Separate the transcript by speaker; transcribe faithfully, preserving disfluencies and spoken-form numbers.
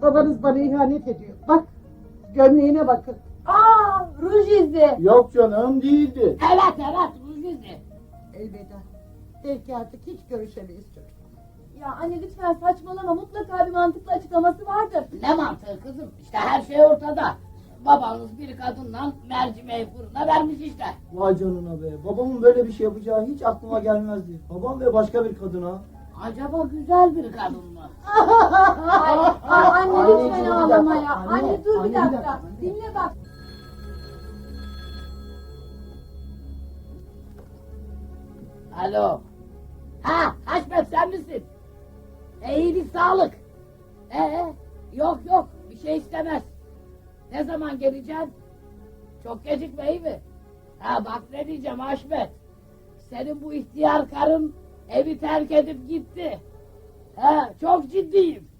Speaker 1: Babanız bana ihanet ediyor. Bak, gömleğine bakın.
Speaker 2: Aa, ruj izi.
Speaker 3: Yok canım, değildi.
Speaker 4: Evet evet Ruzizi.
Speaker 1: Elveda. Belki artık hiç görüşemeyiz çocuk.
Speaker 2: Ya anne lütfen saçmalama, mutlaka bir mantıklı açıklaması vardır.
Speaker 4: Ne mantığı kızım? İşte her şey ortada. Babanız bir kadınla mercimeği fırına vermiş işte.
Speaker 3: Vay canına be. Babamın böyle bir şey yapacağı hiç aklıma gelmezdi. Babam ve başka bir kadına.
Speaker 4: Acaba güzel bir kadın mı?
Speaker 2: Ay, ay anne
Speaker 3: Anneciğim,
Speaker 2: lütfen
Speaker 3: bir
Speaker 2: ağlama
Speaker 3: dakika,
Speaker 2: ya.
Speaker 3: anne,
Speaker 2: Anne dur
Speaker 3: anne,
Speaker 2: bir
Speaker 3: bir
Speaker 2: dakika.
Speaker 3: dakika, anne.
Speaker 2: Dinle bak.
Speaker 4: Alo. Ha Haşmet sen misin? E, iyilik sağlık. Ee, yok yok bir şey istemez. Ne zaman geleceksin? Çok gecikme iyi mi? Ha bak ne diyeceğim Haşmet. Senin bu ihtiyar karın evi terk edip gitti. Ha çok ciddiyim.